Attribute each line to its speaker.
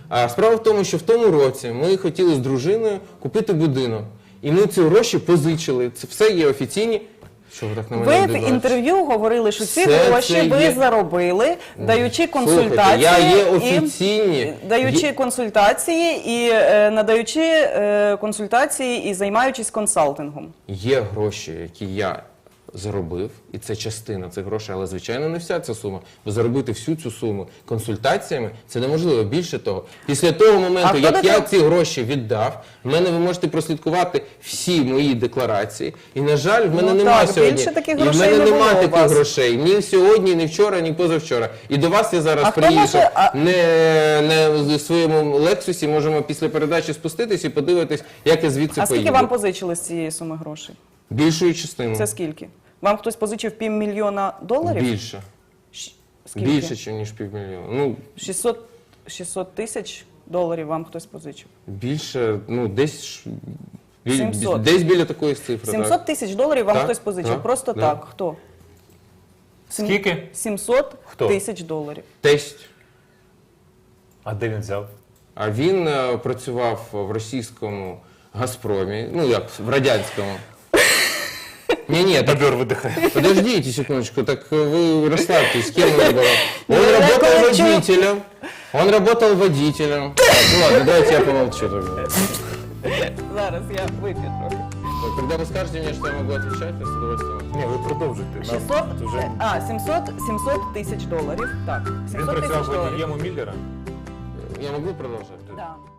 Speaker 1: А справа в тому, що в тому році ми хотіли з дружиною купити будинок. І ми ці гроші позичили. Це все є офіційні. Що ви так на мене
Speaker 2: Ви в
Speaker 1: дивитесь?
Speaker 2: інтерв'ю говорили, що ці
Speaker 1: Все
Speaker 2: гроші
Speaker 1: це
Speaker 2: ви
Speaker 1: є.
Speaker 2: заробили, даючи
Speaker 1: Слухайте,
Speaker 2: консультації,
Speaker 1: я є офіційні.
Speaker 2: і надаючи консультації і займаючись консалтингом.
Speaker 1: Є гроші, які я заробив, і це частина цих грошей, але, звичайно, не вся ця сума. Бо заробити всю цю суму консультаціями – це неможливо. Більше того, після того моменту, як я ці гроші віддав, в мене ви можете прослідкувати всі мої декларації. І, на жаль, в мене немає сьогодні.
Speaker 2: Більше таких
Speaker 1: І в
Speaker 2: грошей
Speaker 1: мене
Speaker 2: не було
Speaker 1: немає
Speaker 2: у
Speaker 1: таких
Speaker 2: вас.
Speaker 1: грошей. Ні сьогодні, ні вчора, ні позавчора. І до вас я зараз
Speaker 2: хто
Speaker 1: приїхав
Speaker 2: може-
Speaker 1: не в своєму Лексусі, можемо після передачі спуститись і подивитись, як я звідси
Speaker 2: А скільки
Speaker 1: поїду.
Speaker 2: вам позичили з цієї суми грошей?
Speaker 1: Більшою частиною.
Speaker 2: Це скільки? Вам хтось позичив $500 000?
Speaker 1: Більше.
Speaker 2: Скільки?
Speaker 1: Більше, ніж півмільйона. Ну,
Speaker 2: 600 тисяч доларів вам хтось позичив.
Speaker 1: більше, ну, десь,
Speaker 2: 700.
Speaker 1: десь біля такої цифри.
Speaker 2: 700 тисяч доларів вам
Speaker 1: Так,
Speaker 2: хтось позичив.
Speaker 1: так,
Speaker 2: Просто
Speaker 1: да.
Speaker 2: так. Хто?
Speaker 3: Скільки?
Speaker 2: 700
Speaker 3: Хто?
Speaker 2: тисяч доларів.
Speaker 1: Тесть.
Speaker 3: А де він взяв?
Speaker 1: А він працював в російському «Газпромі», ну як, в радянському. Не-не, так,
Speaker 3: Бобер видихає.
Speaker 1: подождите секундочку, так вы расслабьтесь, с кем он работал? Он работал водителем. Он работал водителем. Так, ну ладно, давайте я помолчу тогда.
Speaker 2: Зараз я вип'ю трохи.
Speaker 1: Когда вы скажете мне, что я могу отвечать, я с удовольствием.
Speaker 3: Ні, ви продовжуйте. Нам
Speaker 2: 600,
Speaker 3: вже...
Speaker 2: 700 тисяч доларів. Так,
Speaker 3: Він
Speaker 2: 700 тисяч
Speaker 3: працював
Speaker 2: доларів.
Speaker 3: водієм у Міллера?
Speaker 1: Я могу продолжать?
Speaker 2: Да.